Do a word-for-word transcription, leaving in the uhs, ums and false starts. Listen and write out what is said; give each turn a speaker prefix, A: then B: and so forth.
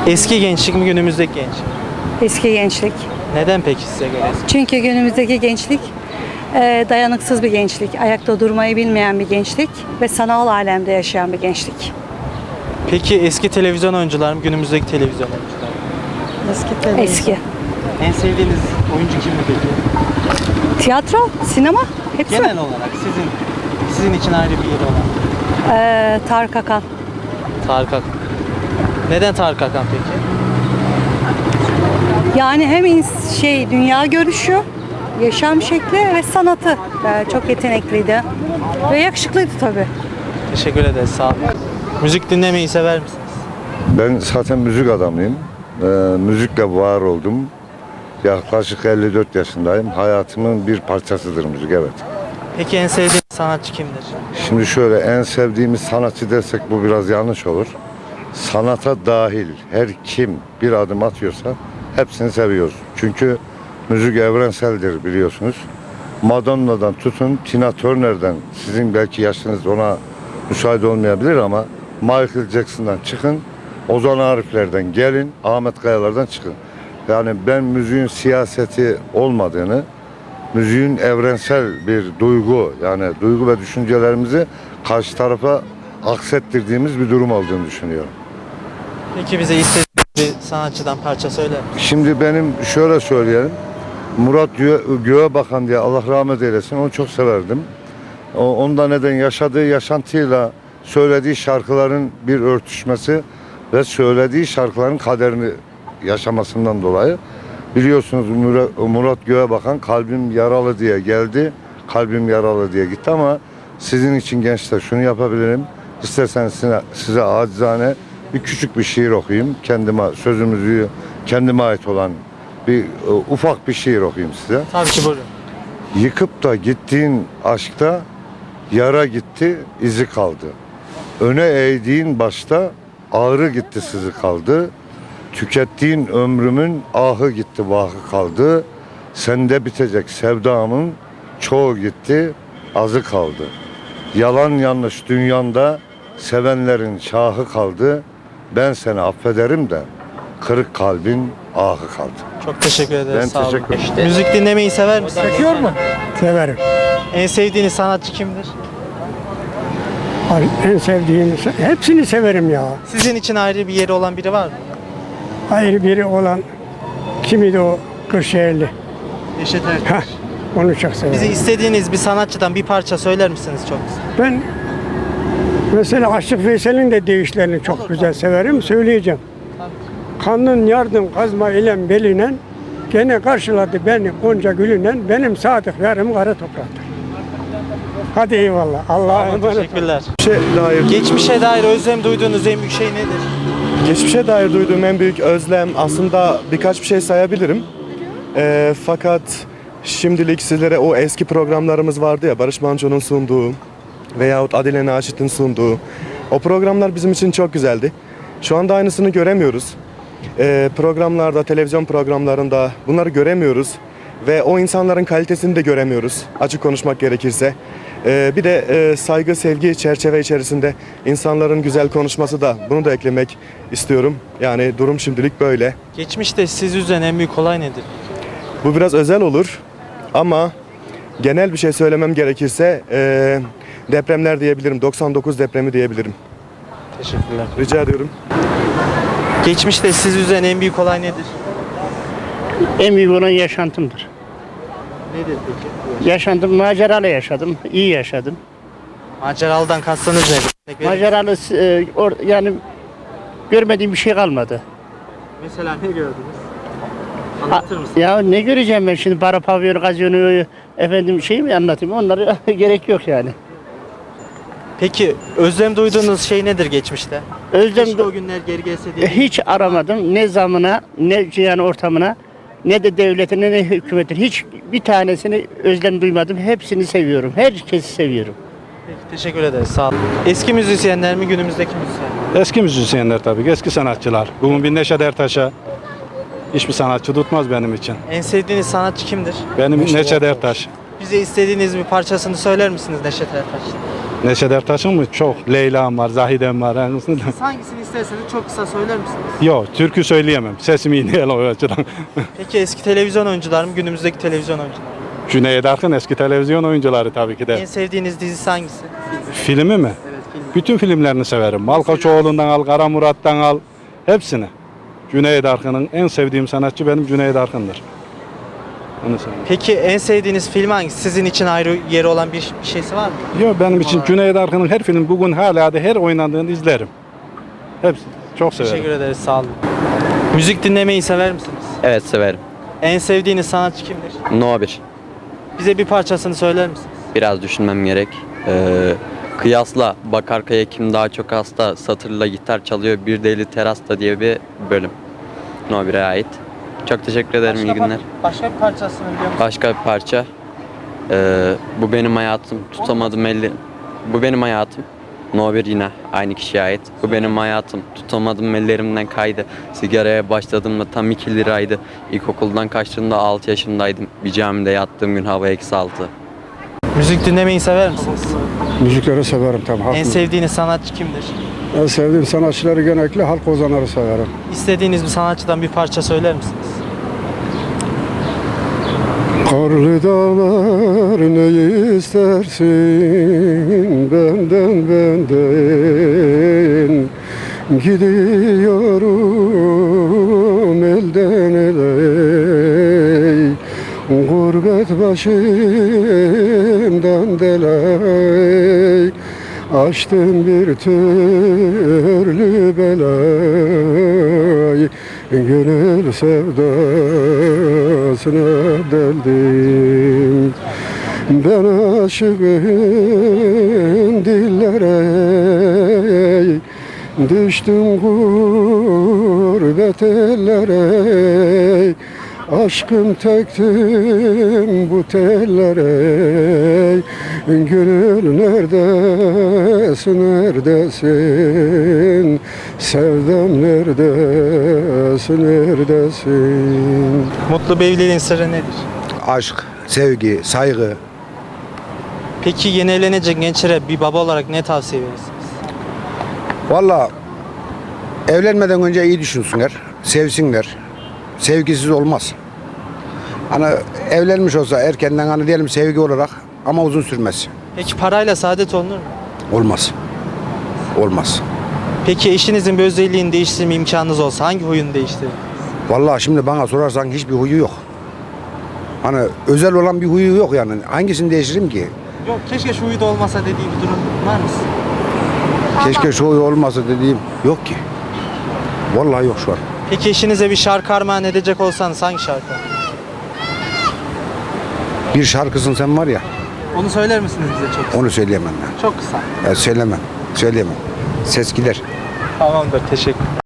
A: Eski gençlik mi günümüzdeki gençlik?
B: Eski gençlik.
A: Neden peki size göre eski?
B: Çünkü günümüzdeki gençlik e, dayanıksız bir gençlik, ayakta durmayı bilmeyen bir gençlik ve sanal alemde yaşayan bir gençlik.
A: Peki eski televizyon oyuncular mı günümüzdeki televizyon oyuncular mı?
C: Eski televizyon.
B: Eski.
A: En sevdiğiniz oyuncu kimdi peki?
B: Tiyatro, sinema, hepsi.
A: Genel olarak sizin sizin için ayrı bir yeri olan.
B: E, Tarık Akan.
A: Tarık Akan. Neden Tarık Akan peki?
B: Yani hem ins- şey dünya görüşü, yaşam şekli ve sanatı. E, çok yetenekliydi ve yakışıklıydı tabii.
A: Teşekkür ederiz. Sağ olun. Müzik dinlemeyi sever misiniz?
D: Ben zaten müzik adamıyım. Ee, müzikle var oldum. Yaklaşık elli dört yaşındayım. Hayatımın bir parçasıdır müzik, evet.
A: Peki en sevdiğiniz sanatçı kimdir?
D: Şimdi şöyle, en sevdiğimiz sanatçı dersek bu biraz yanlış olur. Sanata dahil her kim bir adım atıyorsa hepsini seviyoruz. Çünkü müzik evrenseldir, biliyorsunuz. Madonna'dan tutun Tina Turner'den, sizin belki yaşınız ona müsaade olmayabilir ama Michael Jackson'dan çıkın, Ozan Arifler'den gelin, Ahmet Kayalar'dan çıkın. Yani ben müziğin siyaseti olmadığını, müziğin evrensel bir duygu, yani duygu ve düşüncelerimizi karşı tarafa aksettirdiğimiz bir durum olduğunu düşünüyorum.
A: Peki bize istediğiniz bir sanatçıdan parça söyler misiniz?
D: Şimdi benim şöyle söyleyelim, Murat Gö- Göğebakan diye, Allah rahmet eylesin, onu çok severdim. O, onda neden yaşadığı yaşantıyla söylediği şarkıların bir örtüşmesi ve söylediği şarkıların kaderini yaşamasından dolayı, biliyorsunuz Murat, Murat Göğebakan kalbim yaralı diye geldi, kalbim yaralı diye gitti ama sizin için gençler şunu yapabilirim. İsterseniz size, size acizane bir küçük bir şiir okuyayım. Kendime, sözümüzü kendime ait olan bir uh, ufak bir şiir okuyayım size.
A: Tabii ki, buyurun.
D: Yıkıp da gittiğin aşkta yara gitti, izi kaldı. Öne eğdiğin başta ağrı gitti, sızı kaldı. Tükettiğin ömrümün ahı gitti, vahı kaldı. Sende bitecek sevdamın çoğu gitti, azı kaldı. Yalan yanlış dünyanda sevenlerin şahı kaldı. Ben seni affederim de kırık kalbin ahı kaldı.
A: Çok teşekkür ederiz.
D: Ben
A: Sağ olun.
D: teşekkür ederim.
A: Müzik dinlemeyi sever misiniz?
E: Çekiyor mu? Severim.
A: En sevdiğiniz sanatçı kimdir?
E: Ay, en sevdiğim, hepsini severim ya.
A: Sizin için ayrı bir yeri olan biri var mı?
E: Ayrı biri olan kimiydi o Kırşehirli?
A: Neşet Ertaş.
E: Heh, onu çok severim.
A: Bize istediğiniz bir sanatçıdan bir parça söyler misiniz çok kısa?
E: Ben mesela Aşık Veysel'in de deyişlerini çok güzel severim. Söyleyeceğim. Kanın yardım kazma ilem belinen, gene karşıladı beni onca gülünen, benim sadık yarım kara topraktır. Hadi eyvallah. Allah'a emanet olun.
A: Teşekkürler.
F: Geçmişe dair,
A: Geçmişe dair özlem duyduğunuz en büyük şey nedir?
F: geçmişe dair duyduğum en büyük özlem aslında birkaç bir şey sayabilirim. Ee, fakat şimdilik sizlere o eski programlarımız vardı ya, Barış Manço'nun sunduğu veyahut Adile Naşit'in sunduğu o programlar bizim için çok güzeldi. Şu anda aynısını göremiyoruz. Ee, programlarda, televizyon programlarında bunları göremiyoruz ve o insanların kalitesini de göremiyoruz, açık konuşmak gerekirse. Ee, bir de e, saygı, sevgi çerçeve içerisinde insanların güzel konuşması da, bunu da eklemek istiyorum. Yani durum şimdilik böyle.
A: Geçmişte siz üzen en büyük olay nedir?
F: Bu biraz özel olur ama genel bir şey söylemem gerekirse e, depremler diyebilirim. doksan dokuz depremi diyebilirim.
A: Teşekkürler.
F: Rica ediyorum.
A: Geçmişte siz üzen en büyük olay nedir?
G: En büyük olan yaşantımdır.
A: Nedir peki?
G: Yaşantım, maceralı yaşadım, iyi yaşadım.
A: Maceralıdan kastınız nedir? Örnek verir misiniz?
G: Maceralı e, or- yani görmediğim bir şey kalmadı.
A: Mesela ne gördünüz? Anlatır mısınız?
G: Ya ne göreceğim ben şimdi, para, pavyon, gazyonu, efendim şey mi anlatayım, onlara gerek yok yani.
A: Peki özlem duyduğunuz şey nedir geçmişte?
G: Özlem
A: Keşke o günler geri gelse diye.
G: hiç aramadım, ne zamına, ne yani ortamına, ne de devletine, ne hükümetin, hiç bir tanesini özlem duymadım. Hepsini seviyorum, herkesi seviyorum.
A: Peki, teşekkür ederiz. Sağ olun. Eski müzisyenler mi günümüzdeki müzisyenler mi?
H: Eski müzisyenler tabii, eski sanatçılar. Bugün bir Neşet Ertaş'a hiçbir sanatçı tutmaz benim için.
A: En sevdiğiniz sanatçı kimdir?
H: Benim Neşet Ertaş.
A: Bize istediğiniz bir parçasını söyler misiniz Neşet Ertaş'ın?
H: Neşet Ertaş'ın mı? Çok. Leyla'm var, Zahide'm var. Yani
A: Siz hangisini isterseniz çok kısa söyler misiniz?
H: Yok, türkü söyleyemem. Sesim iyi değil o açıdan.
A: Peki eski televizyon oyuncular mı, günümüzdeki televizyon oyuncular mı?
H: Cüneyt Arkın eski televizyon oyuncuları tabii ki de.
A: En sevdiğiniz dizisi hangisi?
H: Filmi mi?
A: Evet, film.
H: Bütün filmlerini severim. Malkoçoğlu'ndan al, Kara Murat'tan al. Hepsini. Cüneyt Arkın'ın en sevdiğim sanatçı benim Cüneyt Arkın'dır. Onu söyleyeyim.
A: Peki en sevdiğiniz film hangisi? Sizin için ayrı yeri olan bir, bir şeysi var mı?
H: Yok, benim için Cüneyt Arkın'ın her film bugün hala da her oynandığını izlerim. Hepsi. Çok severim.
A: Teşekkür ederiz, sağ olun. Müzik dinlemeyi sever misiniz?
C: Evet severim.
A: En sevdiğiniz sanatçı kimdir?
C: No bir.
A: Bize bir parçasını söyler misiniz?
C: Biraz düşünmem gerek. Ee, kıyasla bak arkaya kim daha çok hasta satırla gitar çalıyor bir deli terasta diye bir bölüm. No bir'e ait. Çok teşekkür ederim.
A: Başka
C: iyi günler.
A: par- Başka bir parçasını biliyor musunuz?
C: Başka bir parça. Ee, bu benim hayatım. Tutamadım elli. Bu benim hayatım. No bir yine aynı kişiye ait. Bu benim hayatım. Tutamadım ellerimden kaydı. Sigaraya başladığımda tam iki liraydı. İlkokuldan kaçtığımda altı yaşındaydım. Bir camide yattığım gün hava eksi altı.
A: Müzik dinlemeyi sever misiniz?
E: Müzikleri severim tabii. Halk
A: En
E: müziği.
A: sevdiğiniz sanatçı kimdir?
E: En sevdiğim sanatçıları genellikle halk ozanları severim.
A: İstediğiniz bir sanatçıdan bir parça söyler misiniz?
E: Karlı dağlar ne istersin benden benden gidiyorum elden ele gurbet başımdan delay açtım bir türlü belay gönül sevdasına deldim ben aşığın dillere düştüm gurbet ellere aşkım tektim bu tellere gönül neredesin neredesin sevdam neredesin neredesin.
A: Mutlu bir evliliğin sırrı nedir?
I: Aşk, sevgi, saygı.
A: Peki yeni evlenecek gençlere bir baba olarak ne tavsiye verirsiniz?
I: Valla evlenmeden önce iyi düşünsünler, sevsinler. Sevgisiz olmaz. Hani evlenmiş olsa erkenden hani diyelim sevgi olarak ama uzun sürmez.
A: Peki parayla saadet olunur mu?
I: Olmaz. Olmaz.
A: Peki eşinizin bir özelliğini değiştirme imkanınız olsa hangi huyunu değiştirir?
I: Vallahi şimdi bana sorarsan hiçbir huyu yok. Hani özel olan bir huyu yok yani. Hangisini değiştiririm ki?
A: Yok, keşke şu huyu da olmasa dediği bir durum var mı?
I: Keşke şu huyu olmasa dediğim yok ki. Vallahi yok şu an.
A: Peki eşinize bir şarkı armağan edecek olsanız hangi şarkı?
I: Bir şarkısın sen var ya,
A: Onu söyler misiniz bize çok kısa?
I: onu söyleyemem ben.
A: Çok kısa.
I: Ya söylemem, söyleyemem. Ses gider.
A: Tamamdır, teşekkür